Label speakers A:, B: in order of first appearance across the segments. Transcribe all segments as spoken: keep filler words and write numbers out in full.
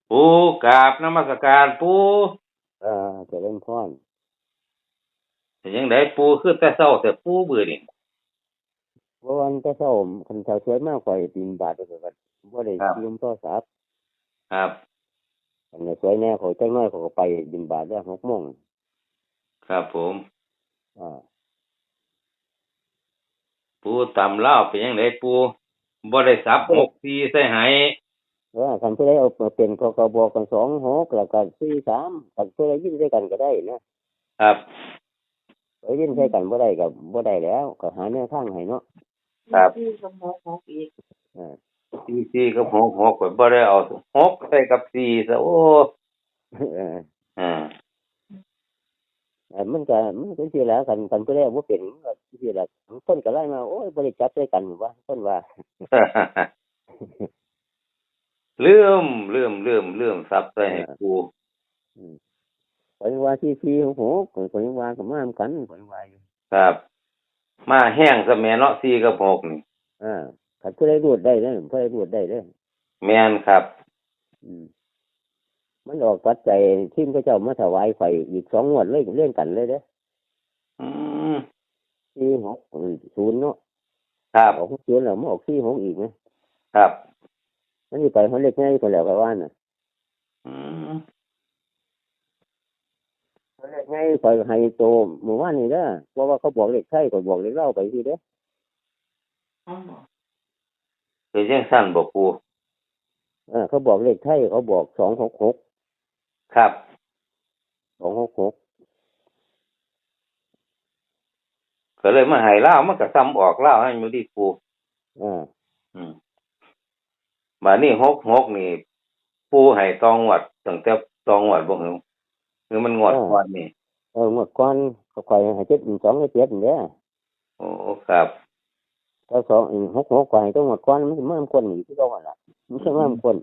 A: ปูกราบนมัสการปู
B: เออเจริญพร
A: เป็นยังไงปูคือแต่เช้าแต่ปูเบื่อนี่
B: เพราะวันแต่เช้าคันเช้าสวยมากกว่าบินบาทไปก็บ่ได้
A: ครับ
B: ยืมโทรศัพท์
A: ครับ
B: คันสวยแน่เขาจักหน้อยเขาก็ไปบินบาทได้หกโมง
A: ครับผม
B: อ่า
A: ปูตำเล่าวเป็นยังไงปูบ่ได้สับหกสี่ใส่ไห
B: เออคันผู้ใดเอามาเป็นก็ก็บอกกันสองหกแล้วก็สี่สามคันผู้ใดยินใส่กันก็ได้นะครับผู้ใดยินใส่กันบ่ได้ก็บ่ได้แล้วก็หาแนวทางให้เนาะ
A: ครับ
C: ที่สมองของอีก
B: อ่า
A: สี่สี่กับหกหกก็บ่ได้เอาหกใส่กับสี่ซะโอ้
B: เออ
A: อ่า
B: เออมันก็มันก็สิแล้วคันคันผู้ใดบ่เป็นก็สิแล้วคนก็ไล่มาโอ้ยบ่ได้จับใส่กันว่าคนว่า
A: ลืมลืมลืมลืมสับใส่ให้ปู
B: อืมข้อยว่าที่ที่ของผมข้อยว่าก็มานำกันข้อยว่าอยู่
A: ครับ มาแห้งซะแม่เนาะสี่กับหกนี่
B: อ่าคันผู้ใดรูดได้เด้อผู้ใดรูดได้เด้อ
A: แม่นครับ
B: อืมมันออกปัจจัยทีมเขาเจ้ามาถวายไฟอีกสองงวดเลยเล่นกันเลยเด้อ
A: อืม
B: สี่หกศูนย์เนาะ
A: ครับ
B: ออกศูนย์แล้วมาออกสี่หกอีกนะครับมันสิไปเฮาเล็กง่ายกว่าแล้วก็ว่าน่ะ
A: อืม
B: เฮาเล็กง่ายไปให้โตเมื่อวานนี้เด้อเพราะว่าเขาบอกเลขไทยก็บอกเลขลาวไปสิเด้อ
C: อ๋อ
A: คือจังซั่นบ่ปู
B: เออเขาบอกเลขไทยเขาบอกสองหกหก
A: ครับ
B: สองหกหก
A: ก็เลยมาให้ลาวมันก็ซ้ำออกลาวให้อยู่ดีปู
B: อ่า
A: อืมบัดนี้หกหกนี่ ปูให้ตองวดตั้งแต่ตองวดบ่หือคือมันงวดก่อนนี่
B: เออเมื่อก่อนเขาข่อยให้เจ็ดสองให้เจ็ดนี่เด้อ
A: โอ้ครับ
B: ถ้าสองหกหกกว่าให้ต้องหมดก้อนมันมันมันคนหนีที่เราอ่ะมันใช่ว่ามันคน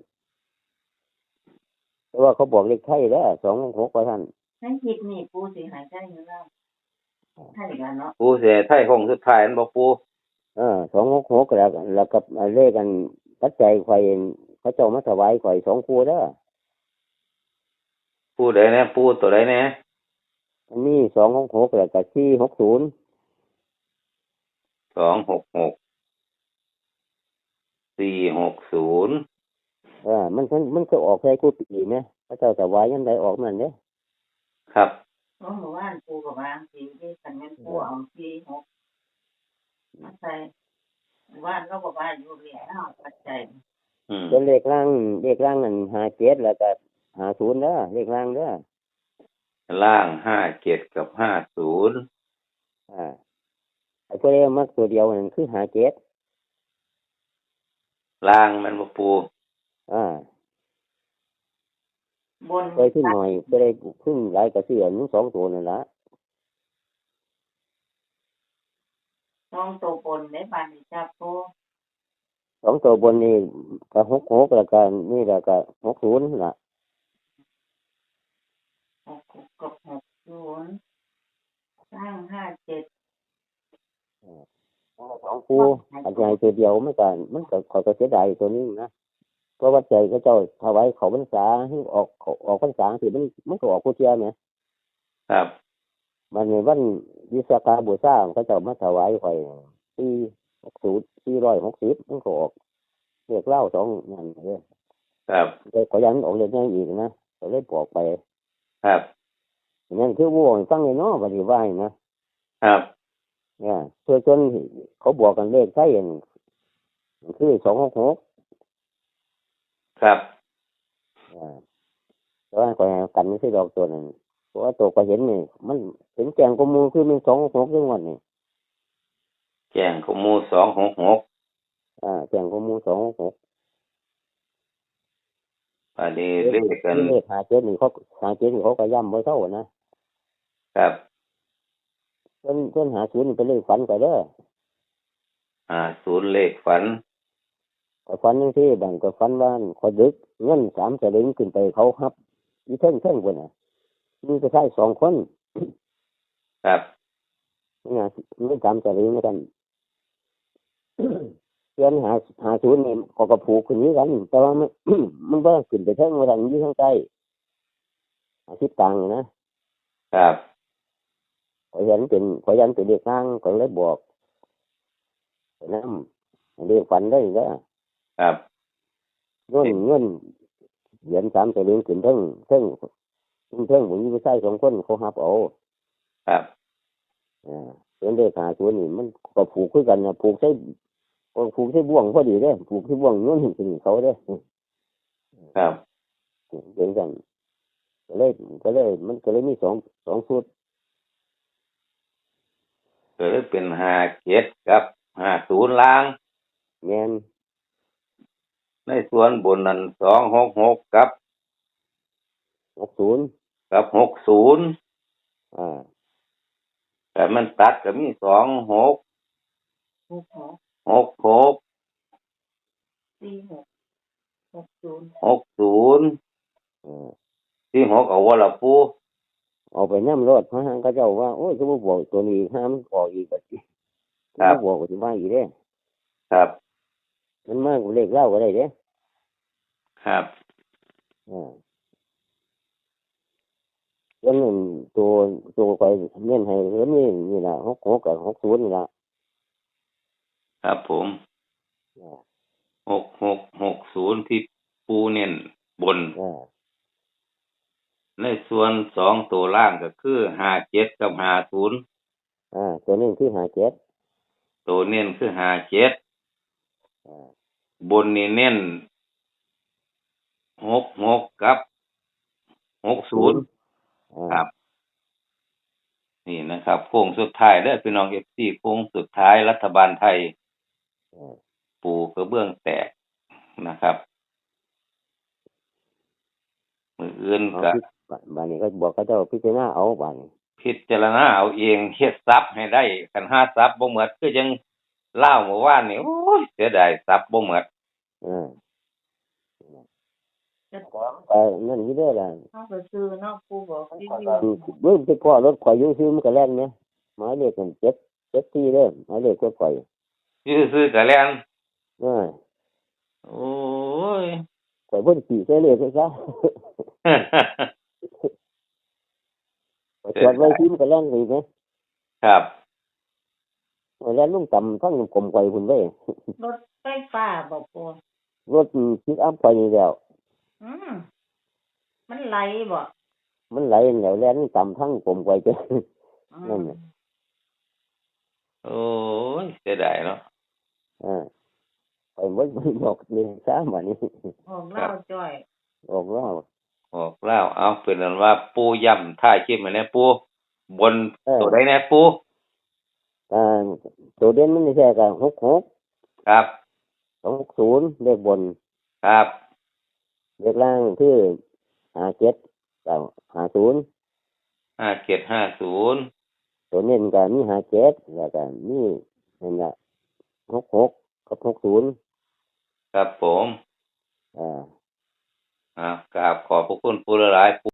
B: แต่ว่าเขาบอกเลขไทยแล้วสองหกหกว่าท่าน
C: ให้คิดนี่ปูสิหายใจอยู่แล้วใช่กันเนาะ
A: ปูสิให้ไทยคงสุดท้ายนั่นบ่ปู
B: เออสองหกหกแล้วแล้วกับเลขกันปัจจัยข่อยเขาเจ้ามาถวายข่อยสองคู่เด้อ
A: ปูใดแน่ปูตัวใดแน่
B: อันนี้สองหกหกแล้วกับสี่หกศูนย์
A: สองหกหก สี่หกศูนย์
B: เออมันมันมันก็ออกใส่คู่ปีไหมเขาเจ้าถวายยังไงออกมันเด้
A: ครับ
C: เพราะเมื่อวานปูกับวางสีที่สันแม่นปูเอาสี่หกมาใส่เมื่อวานเราบอกว่าอยู่เหรียญเอาปัจจัย
A: อืม
B: เป็นเลขล่างเลขล่างนั่นห้าเจ็ดแล้วก็ห้าศูนย์เด้อเลขล่างเด้อ
A: ล่างห้าเจ็ดกับห้าศูนย์
B: อ่าไอ้พวกนี้มักตัวเดียวนั่นคือห้าเจ็ด
A: ล่างมันบ่ปู
B: อ่า
C: บน
B: เคยขึ้นหน่อยก็ได้ขึ้นหลายกระเสือนุ่งสองตัวนั่นละ
C: น้องตัวบนในบ้านนี่จับปู
B: สองตัวบนนี่ก็หกหกแล้วก็นี่แล้วก็หกศูนย์ละ
C: หกหกกับหกศูนย์สร้างห้าเจ็ด
B: สองคู่อันใหญ่ตัวเดียวไม่กันมันก็ขอยก็เสียดายตัวนี้นะเพราะว่าใจก็เจ้าถวายเขาพรรษาให้ออกออกพรรษาสิมันมันก็ออกผู้เชี่ยวเนี่ย
A: ครับ
B: มันในวันวิสาขบูชาเขาเจ้ามาถวายข่อยสี่หกศูนย์สี่ร้อยหกสิบมันก็ออกเรียกเล่าสองนั่นเลย
A: ครับ
B: แต่ขอยันออกเลยง่ายอีกนะก็เลยบอกไป
A: ครับ
B: นั่นคือวัวฟังเลยเนาะปฏิวัตินะครับเนี่ยเพื่อจนเขาบอกกันเลขใช่ยังคือสองหกหก
A: ครับ
B: อ่าแต่ว่าก่อนกันไม่ใช่ดอกตัวนั้นเพราะว่าตัวก็เห็นนี่มันเห็นแกงกมูคือมันสองหกหกจังหวัดนี่
A: แจ้งข้อมูลสองหกหก
B: อ่าแกงกมูสองหกหก
A: อันนี้เลขกัน
B: เลขหาเจ็ดนี่เขาหาเจ็ดนี่เขาก็ย่ำไว้เท่านะครับเพิ่นเพิ่นหาศูนย์นี่เป็นเลขฝันก็เด้อ
A: อ่าศูนย์เลขฝัน
B: ก็ฝันยังที่บางก็ฝันว่าขอดึกเงินสามสลึงขึ้นไปเขาฮับยี่เท่งเท่งคนน่ะมีก็ใช่สองคน
A: ครับ
B: นี่ไงเงินสามสลึงแล้วกันเดือนหาหาศูนย์นี่เขาก็ผูกขึ้นนี้กัน แต่ว่ามัน มันบ่ขึ้นไปเทิงว่าทางอยู่ทางใต้อาทิตย์ตังค์นะครับ ขอยยันเป็นขอยยันเป็นเด็กข้างก็เลยบอกไปนำเรียกฝันได้เด้อ
A: ครับ
B: เงินเงินเหรียญสามสลึงขึ้นเทิงเทิงเทิงผมมีผู้ชายสองคนเขาหับเอา
A: ครับ
B: อ่าเป็นเลขหาศูนย์นี่มันก็ผูกคือกันนะผูกใช้ผูกใช้บ่วงพอดีเด้อผูกใช้บ่วงเงินถึงเขาเด้อ
A: ครับ
B: เป็นกันก็เลยก็เลยมันก็เลยมีสองสองชุด
A: ก็เลยเป็นห้าเจ็ดกับห้าศูนย์ล่าง
B: แม่น
A: ในส่วนบนนั้นสองหกหกกับ
B: หกศูนย์
A: กับหกศูนย์
B: อ่า
A: แต่มันตัดก็มีสองหก
C: หกหก
A: หกหก
C: สี่หกหกศูนย์
A: หกศูนย์
B: อ่า
A: ที่หกเอาว่าละปู
B: เอาไปน้ำรถพระหังก็เจ้าว่าโอ้ยจะมาบอกตัวนี้ห้ามออกอีกก็สิ
A: ครับ
B: มาบอกก็สิมาอีกเด้
A: ครับ
B: มันมากเลขเล่าก็ได้เด้
A: ครับ
B: อ่าแล้วนั่นตัวตัวไปเน้นให้แล้วนี่นี่ล่ะหกหกกับหกศูนย์นี่ล่ะ
A: ครับผม
B: อ่า
A: หกหกหกศูนย์ที่ปูเน้นบน
B: อ่า
A: ในส่วนสองตัวล่างก็คือห้าเจ็ดกับห้าศูนย์
B: อ่าตัวนี้คือหาเจ็ด
A: ตัวเน้นคือห้าเจ็ด
B: อ่า
A: บนนี่เน้นหกหกกับหกศูนย์
B: อ่า
A: ครับ นี่นะครับโค้งสุดท้ายเด้อพี่น้องเอฟซีโค้งสุดท้ายรัฐบาลไทย
B: อ่า
A: ปูกระเบื้องแตกนะครับมืออื่น
B: เอา
A: ก็
B: พิบานนี้ก็บอกเขาเจ้าพิจารณาเอาบานนี้
A: พิจารณาเอาเองเฮ็ดทรัพย์ให้ได้คันหาทรัพย์บ่หมดคือจังเล่าเมื่อวานนี่โอ้ยเสียดายทรัพย์บ่หมด
B: อ่าแต่นั่นนี่ได้อล่ะ
C: เฮาก็ซื้อเนาะปูบอกรีวิว
B: เบิ่งไปพ่อรถข่อยอยู่ซื้อมันก็แล่นไหมหมายเลขกันเจ็ดเจ็ดที่เด้อหมายเลขก็ข่อย
A: อยู่ซื่อๆก็แล้ว
B: อ่า
A: โอ้ย
B: ข่อยเพิ่นขี่ใส่เลขซะข่อยจอดไว้ที่มันก็แล่นอีกนะครับ แล่นลงต่ำทั้งกลมข่อยพุ่นเว้ย
C: รถไฟฟ้าบ่ปู
B: รถพิกอัพข่อยนี่แล้ว
C: อืมมันไหลบ่
B: มันไหลแล้วแล่นต่ำทั้งกลมข่อยจ้ะ
C: อื
B: นั่น
C: ม
B: น่ะ
A: โอ้ยเสียดายเนาะ
B: อ่าข่อยบ่บอกนี่ซะบัดนี้
C: ออกเล่าจ้อย
B: ออกแล้ว
A: ออกแล้วเอาเป็นนั้นว่าปูย่ำท่าคิดมาแน่ปูบน
B: เออ
A: ตัวใดแน่ปู
B: อ่าตัวเด่นมันไม่ใช่ก็หกหก
A: ครับ
B: สองหกศูนย์เลขบน
A: ครับ
B: เลขล่างคือห้าเจ็ดกับห้าศูนย์
A: ห้าเจ็ดห้าศูนย์
B: ตัวเน้นก็มีห้าเจ็ดแล้วก็มีนั่นแหละหกหกกับหกศูนย์